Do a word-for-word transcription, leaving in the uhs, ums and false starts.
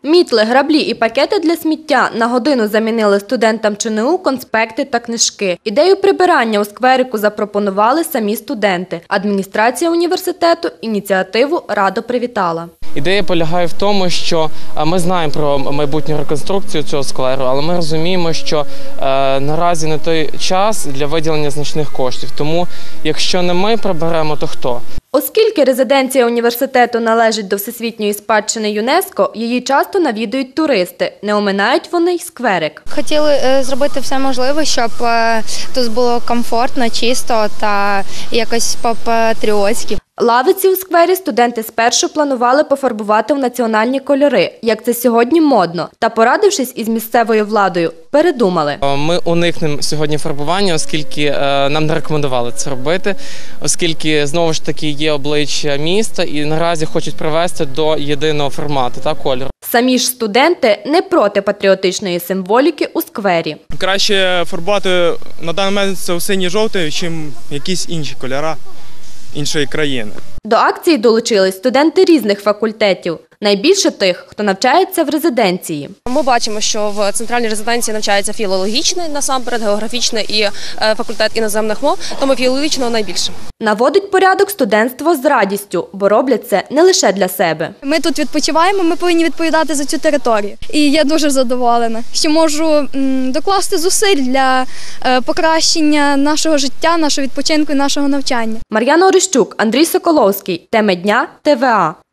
Мітли, граблі і пакети для сміття на годину замінили студентам ЧНУ конспекти та книжки. Ідею прибирання у скверику запропонували самі студенти. Адміністрація університету ініціативу радо привітала. Ідея полягає в тому, що ми знаємо про майбутню реконструкцію цього скверу, але ми розуміємо, що е, наразі не той час для виділення значних коштів. Тому, якщо не ми приберемо, то хто? Оскільки резиденція університету належить до Всесвітньої спадщини ЮНЕСКО, її часто навідують туристи. Не оминають вони й скверик. Хотіли е, зробити все можливе, щоб е, тут було комфортно, чисто та якось по-патріотськи. Лавиці у сквері студенти спершу планували пофарбувати в національні кольори, як це сьогодні модно. Та, порадившись із місцевою владою, передумали. Ми уникнемо сьогодні фарбування, оскільки нам не рекомендували це робити, оскільки, знову ж таки, є обличчя міста і наразі хочуть привести до єдиного формату та кольору. Самі ж студенти не проти патріотичної символіки у сквері. Краще фарбувати на даний момент це синій-жовтий, ніж якісь інші кольори іншої країни. До акції долучились студенти різних факультетів. Найбільше тих, хто навчається в резиденції. Ми бачимо, що в центральній резиденції навчається філологічний, насамперед, географічний і факультет іноземних мов, тому філологічного найбільше. Наводить порядок студентство з радістю, бо роблять це не лише для себе. Ми тут відпочиваємо, ми повинні відповідати за цю територію. І я дуже задоволена, що можу докласти зусиль для покращення нашого життя, нашого відпочинку і нашого навчання. Мар'яна Орищук, Андрій Соколовський. Теми дня ТВА.